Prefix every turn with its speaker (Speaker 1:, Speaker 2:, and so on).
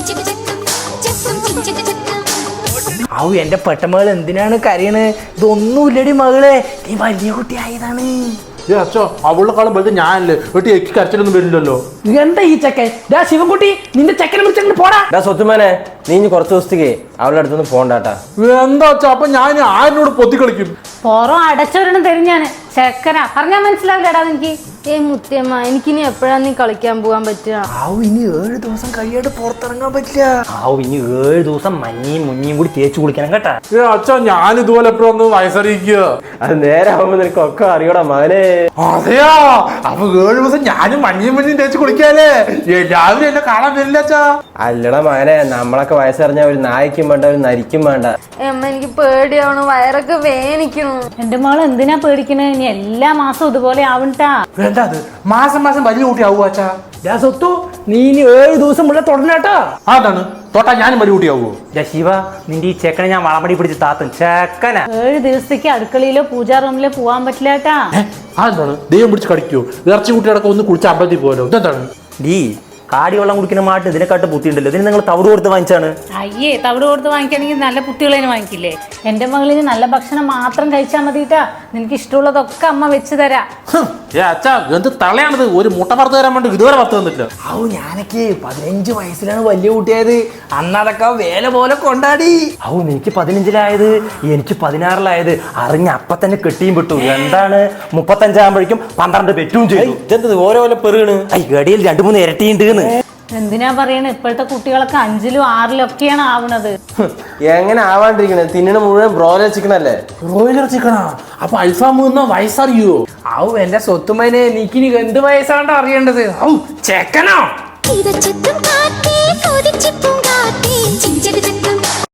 Speaker 1: ഔ എന്റെ പെട്ടമകൾ എന്തിനാണ് കരയണ്? ഇതൊന്നുമില്ലടി മകളെ, നീ വലിയ കുട്ടിയായതാണ്.
Speaker 2: അച്ഛോ അവളുടെ കാലം പോയത് ഞാനല്ലേ വീട്ടിൽ എനിക്ക് കരച്ചിലൊന്നും വരില്ലല്ലോ.
Speaker 1: എന്താ ഈ ചെക്കൻ? ശിവൻകുട്ടി, നിന്റെ ചെക്കനെ വിളിച്ചു പോടാ.
Speaker 3: സ്വത്തുമാനെ, നീ ഇനി കുറച്ച് ദിവസത്തേക്ക് അവളുടെ അടുത്തൊന്നും പോണ്ടാട്ടാ.
Speaker 2: എന്താ അച്ഛാ, അപ്പൊ ഞാൻ ആരിനോട് പൊത്തി കളിക്കും?
Speaker 4: പുറം അടച്ചവരണം തരും ഞാൻ. ചെക്കനാ പറഞ്ഞാൽ മനസ്സിലാവില്ലടാ എനിക്ക്. മുത്തിയമ്മ, എനിക്കിനി എപ്പോഴാ നീ കളിക്കാൻ പോകാൻ പറ്റുക?
Speaker 1: ഇനി 7 ദിവസം കഴിയാണ്ട് പുറത്തിറങ്ങാൻ പറ്റില്ല.
Speaker 3: ഇനി 7 ദിവസം മഞ്ഞയും മുഞ്ഞയും കൂടി തേച്ചു കുളിക്കണം കേട്ടാ.
Speaker 2: അച്ഛാ ഞാൻ ഇതുപോലെ എപ്പോഴൊന്ന് വയസ്സറിയിക്കുക.
Speaker 3: അത് നേരെ ആവുമ്പോ നിനക്ക് ഒക്കെ അറിയടാ മകനെ.
Speaker 2: അതെയാ, അപ്പൊ 7 ദിവസം ഞാനും മഞ്ഞയും തേച്ച് കുളിക്കാല്ലേ? എല്ലാവരും എന്നെ കാണാൻ വരില്ല അച്ഛാ.
Speaker 3: അല്ലടാ മകനെ, നമ്മളൊക്കെ വയസ്സറിഞ്ഞ ഒരു നായ്ക്കും വേണ്ട ഒരു നരിക്കും വേണ്ട.
Speaker 4: അമ്മ എനിക്ക് പേടിയാവണു, വയറൊക്കെ വേനിക്കണു. എന്റെ മോള് എന്തിനാ പേടിക്കണേ? ഇനി എല്ലാ മാസവും ഇതുപോലെ ആവണ്ടാ.
Speaker 2: വേണ്ട, അത് മാസം മാസം വലിയ കുട്ടി ആവുക അച്ഛാ.
Speaker 1: സ്വത്തു, നീ ഇനി 7 ദിവസം മുള്ള തുടരണേട്ടാ.
Speaker 2: അതാണ് തൊട്ടാ ഞാനും വലിയ കുട്ടിയാവൂ.
Speaker 3: ശിവ, നിന്റെ ഈ ചെക്കനെ ഞാൻ വളമടി പിടിച്ച് താത്തും. ചെക്കന
Speaker 4: 7 ദിവസത്തേക്ക് അടുക്കളയിലോ പൂജാ റൂമിലോ പോവാൻ പറ്റില്ലാട്ടാ.
Speaker 2: അതെന്താണ്? ദൈവം പിടിച്ച് കടിക്കോ? ഇറച്ചി കുട്ടിയടക്കം ഒന്ന് കുളിച്ച് അമ്പലത്തിൽ പോലോ. ഇതെന്താണ്?
Speaker 3: ഡീ കാടി വെള്ളം കുടിക്കുന്ന മാട്ട് ഇതിനെക്കാട്ട് ബുദ്ധിയുണ്ടല്ലോ. ഇതിന് നിങ്ങൾ തവിട് കൊടുത്ത് വാങ്ങിച്ചാണ്.
Speaker 4: അയ്യേ, തവിട് കൊടുത്ത് വാങ്ങിക്കണമെങ്കിൽ നല്ല കുട്ടികളെ വാങ്ങിക്കില്ലേ? എന്റെ മകളിന് നല്ല ഭക്ഷണം മാത്രം കഴിച്ചാൽ മതിട്ടാ. നിനക്ക് ഇഷ്ടമുള്ളതൊക്കെ അമ്മ വെച്ച് തരാം.
Speaker 2: അച്ഛാ എന്ത് തളയാണത്? ഒരു മുട്ട പറത്ത് തരാൻ വേണ്ടി ഇതുവരെ പത്ത് തന്നിട്ടില്ല.
Speaker 1: ഞാനൊക്കെ 15 വയസ്സിലാണ് വലിയ കുട്ടിയായത്. അന്നതൊക്കെ വേല പോലെ കൊണ്ടാടി.
Speaker 3: നിനക്ക് 15-ലായത്, എനിക്ക് 16-ലായത്. അറിഞ്ഞ അപ്പൊ തന്നെ കെട്ടിയും വിട്ടു. എന്താണ് 35 ആകുമ്പോഴേക്കും 12 പെറ്റും ചെയ്തു. ഇതെന്തത് ഓരോ പെറുകണ്? ഗടിയിൽ 2-3 ഇരട്ടിയുണ്ട്.
Speaker 4: എന്തിനാ പറയണേ? ഇപ്പോഴത്തെ കുട്ടികളൊക്കെ 5-ലും 6-ലും ഒക്കെയാണ് ആവണത്.
Speaker 3: എങ്ങനെ ആവാണ്ടിരിക്കണേ? തിന്നണ മുഴുവൻ ബ്രോയിലർ ചിക്കൻ അല്ലേ?
Speaker 2: ബ്രോയിലർ ചിക്കനാ? അപ്പൊ അൽഫാം വയസ്സറിയോ?
Speaker 1: എന്റെ സ്വത്തുമനെ, നീക്കിനി എന്ത് വയസ്സാണ്ടോ അറിയേണ്ടത്? ചെക്കനോ?